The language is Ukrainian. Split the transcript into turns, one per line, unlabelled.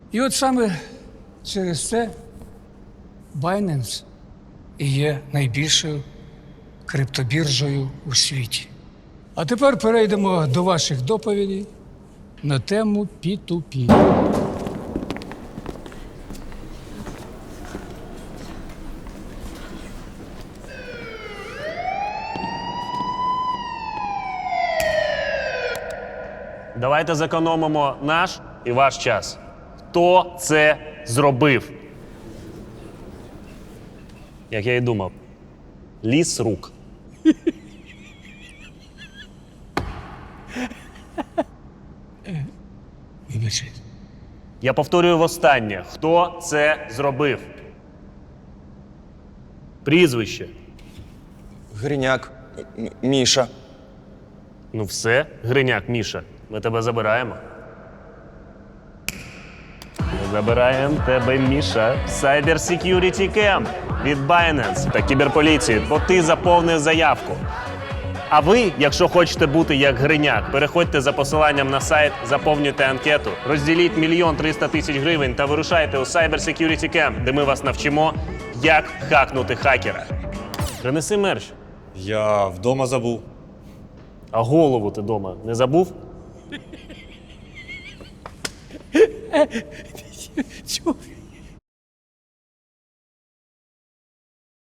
І от саме через це Binance і є найбільшою криптобіржею у світі. А тепер перейдемо до ваших доповідей на тему P2P.
Давайте зекономимо наш і ваш час. Хто це зробив? Як я і думав. Ліс рук.
Вибачайте.
Я повторюю востаннє. Хто це зробив? Прізвище.
Гриняк. Міша.
Ну все, Гриняк, Міша, ми тебе забираємо. Ми забираємо тебе, Міша, в Cyber Security Camp від Binance та кіберполіції, бо ти заповнив заявку. А ви, якщо хочете бути як Гриняк, переходьте за посиланням на сайт, заповнюйте анкету, розділіть 1 300 000 гривень та вирушайте у Cyber Security Camp, де ми вас навчимо, як хакнути хакера. Принеси мерч.
Я вдома забув.
А голову ти дома не забув?
Чого?